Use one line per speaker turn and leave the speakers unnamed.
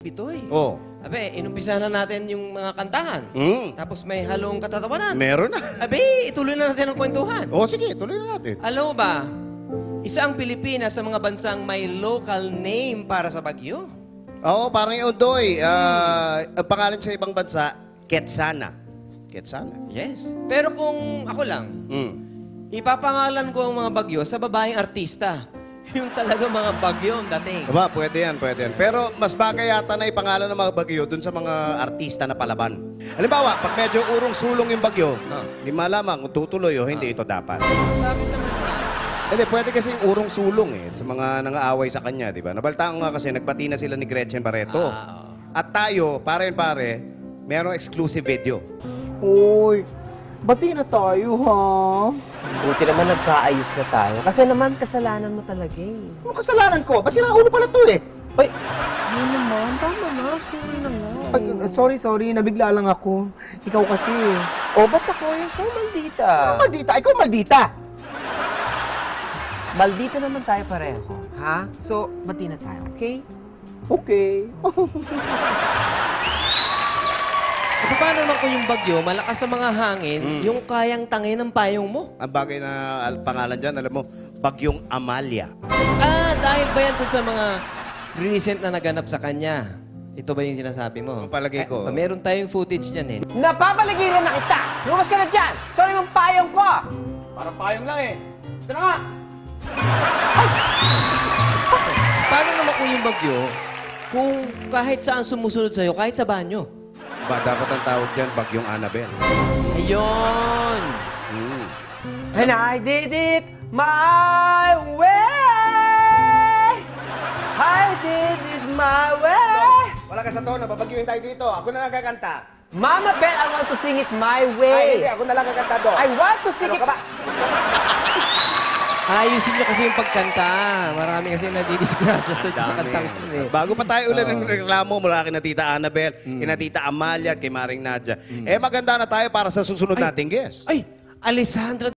Pitoy.
Oh.
Abe, inumpisa na natin yung mga kantahan. Tapos may halong katatawanan.
Meron na.
Abe, ituloy na natin ang kwentuhan.
Oh, sige, tuloy na natin.
Alam mo ba, isa ang Pilipinas sa mga bansang may local name para sa bagyo.
Oo, parang yung Udoy. Ang pangalan sa ibang bansa, Quetzana. Quetzana.
Yes. Pero kung ako lang, ipapangalan ko ang mga bagyo sa babaeng artista. Yung talaga mga bagyo ang dating.
Aba, pwede yan, pwede yan. Pero mas bagay yata na ipangalan ng mga bagyo dun sa mga artista na palaban. Halimbawa, pag medyo urong-sulong yung bagyo, hindi malamang kung tutuloy o hindi ito dapat.
Bakit naman yan?
Hindi, pwede kasing urong-sulong sa mga nangaaway sa kanya, di ba? Nabaltaan ko nga kasi, nagpati na sila ni Gretchen Barreto. At tayo, pare merong exclusive video.
Uy, bati na tayo, ha?
Buti naman nagkaayos na tayo. Kasi naman, kasalanan mo talaga eh.
Ano kasalanan ko? Basira ulo pala to eh.
Uy, ano naman? Tama na. Sorry na nga.
Sorry. Nabigla lang ako. Ikaw kasi.
O, ba't ako yung so maldita?
Maldita? Ikaw maldita!
Maldita naman tayo pareho. Ha? So, bati na tayo, okay?
Okay.
At paano naman kung yung bagyo, malakas sa mga hangin, yung kayang tangin ng payong mo?
Ang bagay na pangalan dyan, alam mo, Bagyong Amalia.
Dahil ba yan dun sa mga recent na naganap sa kanya? Ito ba yung sinasabi mo?
Ang palagay ko.
Meron tayong footage niyan eh.
Napapaligiran na kita! Lumas ka na dyan! Sorry mong payong ko!
Parang payong lang eh. Ito na nga!
Paano naman kung yung bagyo, kung kahit saan sumusunod sa'yo, kahit sa banyo?
Ba, dapat ang tawag dyan, Bagyong Annabel.
Ayun!
And I did it my way! I did it my way!
Wala ka sa tono, babagyuhin tayo dito. Ako na lang kakanta.
Mama Bell, I want to sing it my
Ay,
way!
hindi, ako na lang kakanta doon.
I want to sing
Ano
it...
ka ba?
Ayusin niyo kasi yung pagkanta. Marami kasi nadidisgrasya sa kantang ko eh.
Bago pa tayo ulit ng reklamo mula kina Tita Annabel, kina Tita Amalia at kay Maring Nadia. Maganda na tayo para sa susunod nating guest.
Ay! Alessandra